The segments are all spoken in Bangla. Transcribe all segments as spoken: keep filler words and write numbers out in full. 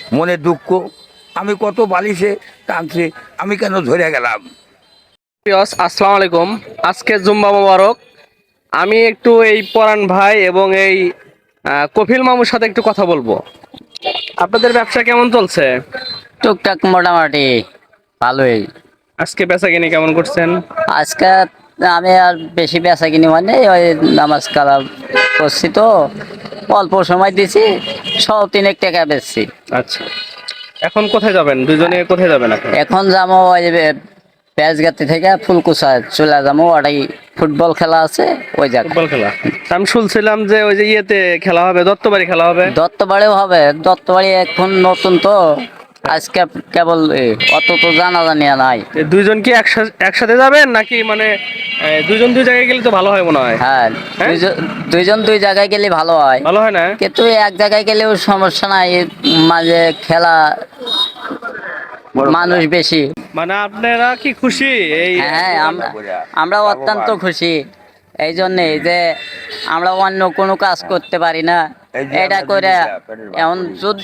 মনে দুঃখ, আমি কত বালিশে টানছি, আমি কেন ধরে গেলাম। প্রিয়স, আসসালামু আলাইকুম। আজকে জুম্মা মোবারক। আমি একটু এই পরাণ ভাই এবং এই আহ, কফিল মামুর সাথে একটু কথা বলবো। আপনাদের ব্যবসা কেমন চলছে? টুকটাক মোটামুটি ভালোই। আজকে বেচা কিনে কেমন করছেন? আজকে আমি আর বেশি বেচা কিনি মানে ওই নামাজ কালাম করছি তো, অল্প সময় দিছি, সব তিনেক টাকা বেচছি। আচ্ছা, এখন কোথায় যাবেন? দুজনে কোথায় যাবেন এখন? এখন যাবো ওই পেঁয়াজগাতি থেকে ফুলকুচা চলে যাবো, ওটাই ফুটবল খেলা আছে ওই জায়গায়। ফুটবল খেলা? আমি শুনছিলাম যে ওই যে ইয়েতে খেলা হবে, দত্তবাড়ি খেলা হবে। দত্তবাড়িও হবে, দত্তবাড়ি এখন নতুন তো, আজকে কেবল এ, অত তো জানা জানিয়া নাই। এ দুইজন কি একসাথে একসাথে যাবেন নাকি মানে এ, দুইজন দুই জায়গায় গেলে তো ভালো হয় মনে হয়। হ্যাঁ, হ্যাঁ? দুইজন দুইজন দুই জায়গায় গেলে ভালো হয়, ভালো হয় না? কিন্তু এক জায়গায় গেলেও সমস্যা নাই, মাঝে খেলা মানুষ বেশি। মানে আপনারা কি খুশি এই? হ্যাঁ, আমরা আমরা অত্যন্ত খুশি এই জন্যে যে আমরা অন্য কোনো কাজ করতে পারি না, এই যে এটা আমরা করে দিদিরা পেটের ভাত এমন করি। যদি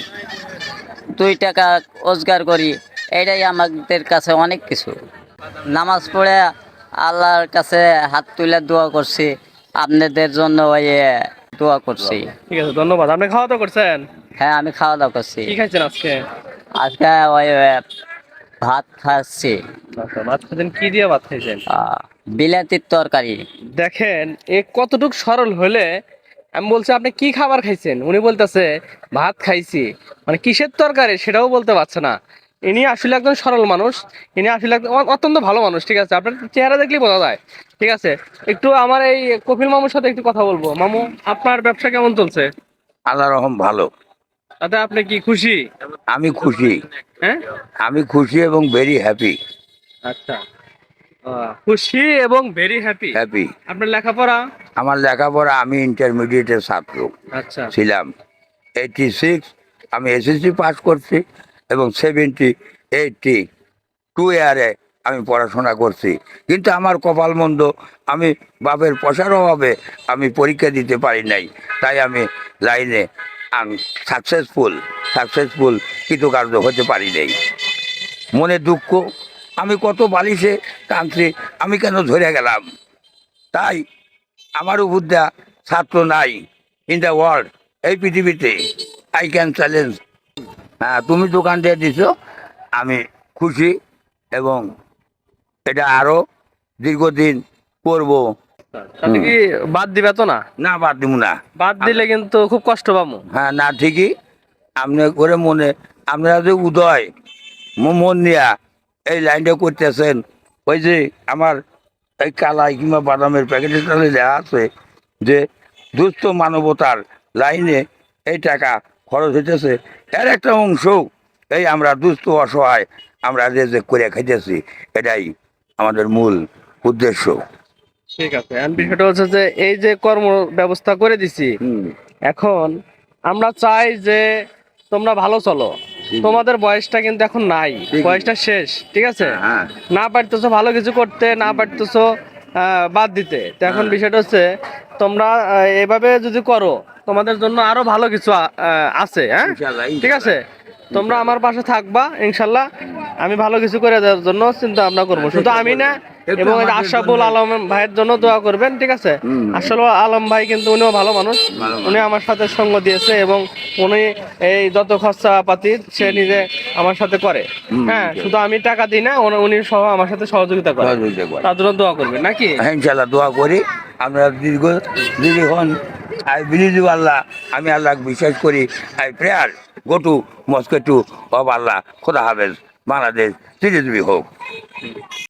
দুই টাকা রোজগার করি, এটাই আমাদের কাছে অনেক কিছু। নামাজ পড়ে আল্লাহর কাছে হাত তুলে দোয়া করছি, আপনাদের জন্য ওই এ, দোয়া করছি। ঠিক আছে, ধন্যবাদ। আপনি খাওয়া দাওয়া করছেন? হ্যাঁ, আমি খাওয়া দাওয়া করছি। কি খাইছেন আজকে? আজকে ওই এ, ভাত খাচ্ছি, আচ্ছা, ভাত খাইছেন? কি দিয়ে ভাত খাইছেন? আহ, বিলাতির তরকারি। দেখেন এ কতটুক সরল হলে। আমি বলছি আপনি কি খাবার খাইছেন, উনি বলতেছে ভাত খাইছি। মানে কিসের তরকারি সেটাও বলতে পারছে না। ইনি আসলে একজন সরল মানুষ। ইনি আসলে একদম অ- অত্যন্ত ভালো মানুষ। ঠিক আছে, আপনার চেহারা দেখলেই বোঝা যায়। ঠিক আছে, একটু আমার এই কপিল মামুর সাথে একটু কথা বলবো। মামু, আপনার ব্যবসা কেমন চলছে? আল্লাহ রহম ভালো। তাতে আপনি কি খুশি? আমি খুশি, হ্যাঁ। আমি খুশি এবং ভেরি হ্যাপি। আচ্ছা, আহ, খুশি এবং ভেরি হ্যাপি। হ্যাপি। আপনার লেখাপড়া? আমার লেখাপড়া, আমি ইন্টারমিডিয়েটের ছাত্র আচ্ছা। ছিলাম। এইটি সিক্স আমি এসএসসি পাস করছি এবং সেভেন্টি এইটটি টু ইয়ারে আমি পড়াশোনা করছি। কিন্তু আমার কপাল মন্দ, আমি বাপের পয়সার অভাবে আমি পরীক্ষা দিতে পারি নাই। তাই আমি লাইনে সাকসেসফুল সাকসেসফুল কৃতকার্য হতে পারি নাই। মনে দুঃখ, আমি কত বালিশে টানছি, আমি কেন ধরে গেলাম। তাই আমার উপদ্যা ছাত্র নাই ইন দ্য ওয়ার্ল্ড, এই পৃথিবীতে। I can challenge. হ্যাঁ, তুমি দোকান দিয়ে দিছো, আমি খুশি এবং এটা আরো দীর্ঘদিন করব। তাতে কি বাদ দিবে তো না? না, বাদ দিব না। বাদ দিলে কিন্তু খুব কষ্ট পাবো। হ্যাঁ, না ঠিকই। আপনি করে মনে, আপনারা যে উদয় ম- মন নিয়া এই লাইনটা করতেছেন, ওই যে আমার এই কালাই কিংবা বাদামের প্যাকেটের সাথে দেওয়া আছে যে দুস্থ মানবতার লাইনে এই টাকা খরচ হইতেছে, এর একটা অংশ এই আমরা দুস্থ অসহায় আমরা যে যে করে খাইতেছি, এটাই আমাদের মূল উদ্দেশ্য। ঠিক আছে, এখন বিষয়টা হচ্ছে যে এই যে কর্ম ব্যবস্থা করে দিছি, হুম। এখন আমরা চাই যে তোমরা ভালো চলো। তোমাদের বয়সটা কিন্তু এখন নাই, ঠিক। বয়সটা শেষ। ঠিক আছে, হ্যাঁ। না পারতেছো ভালো কিছু করতে, না পারতেছো আহ, বাদ দিতে। তো এখন হ্যাঁ। বিষয়টা হচ্ছে তোমরা আহ, এভাবে যদি করো, তোমাদের জন্য আরো ভালো কিছু আ- আহ, আছে। হ্যাঁ, ইনশাল্লাহ, ঠিক আছে, তোমরা আমার পাশে থাকবা ইনশাল্লাহ। আমি ভালো কিছু করে দেওয়ার জন্য চিন্তা ভাবনা করবো, শুধু আমি না, একটু এবং এই যে আমাদের আশরাফুল জন্য- আলম ভাইয়ের জন্য দোয়া করবেন। ঠিক আছে, হুম। আশরাফুল আলম ভাই কিন্তু উনিও ভালো মানুষ। ভালো মানুষ। উনি আমার সাথে সঙ্গ দিয়েছে এবং উনি এই যত খরচা পাতি সে নিজে আমার সাথে করে। হুম। হ্যাঁ, শুধু আমি টাকা দিই না, উনি- উনি সহ আমার সাথে সহযোগিতা করে। সহযোগিতা করে। তার জন্য দোয়া করবেন নাকি? হ্যাঁ, ইনশাল্লাহ দোয়া করি। আমরা দীর্ঘ দীর্ঘক্ষণ আই বিলিভ আল্লাহ, আমি আল্লাহ বিশ্বাস করি। I prayer go to mosque to of Allah. খোদা হাফেজ। বাংলাদেশ চিরজীবী হোক।